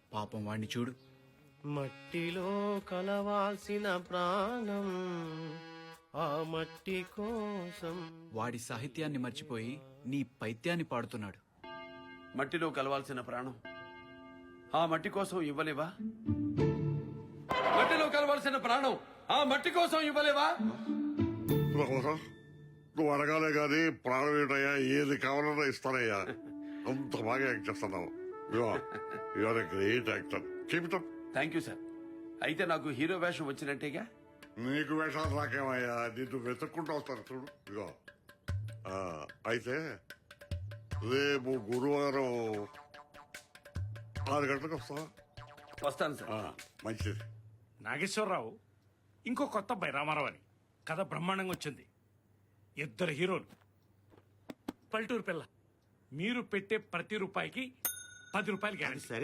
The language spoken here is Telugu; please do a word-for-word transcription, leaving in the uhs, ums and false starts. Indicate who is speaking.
Speaker 1: పాపం వాణ్ణి చూడు.
Speaker 2: మట్టిలో కలవాల్సిన ప్రాణం ఆ మట్టి కోసం.
Speaker 1: వాడి సాహిత్యాన్ని మర్చిపోయి నీ పైత్యాన్ని పాడుతున్నాడు.
Speaker 3: మట్టిలో కలవాల్సిన ప్రాణం ఆ మట్టి కోసం ఇవ్వలేవా? మట్టిలో కలవాల్సిన ప్రాణం ఆ మట్టి కోసం ఇవ్వలేవా?
Speaker 4: నువ్వు అడగాలే గాని ప్రాణం ఏంటయ్యా, ఏది కావాలన్నా ఇస్తానయ్యా. అంత బాగా యాక్ట్ చేస్తున్నావు. Your great actor. చెబుతాం.
Speaker 3: Thank you sir. అయితే నాకు హీరో వేషం వచ్చినట్టేగా?
Speaker 4: నీకు వేషాలు రాకేమయ్యా, నిన్ను వెతుక్కుంటూ వస్తాను చూడు. ఇగో ఆ, అయితే రేపు గురువారం ఆరు గంటలకు వస్తావా?
Speaker 3: వస్తాను సార్.
Speaker 4: ఆ, మంచిది.
Speaker 5: నాగేశ్వరరావు, ఇంకో కొత్త అబ్బాయి రామారావు అని కథ బ్రహ్మాండంగా వచ్చింది. ఇద్దరు హీరోలు, పల్లెటూరు పిల్ల. మీరు పెట్టే ప్రతి రూపాయికి పది రూపాయలు గ్యారెంటీ.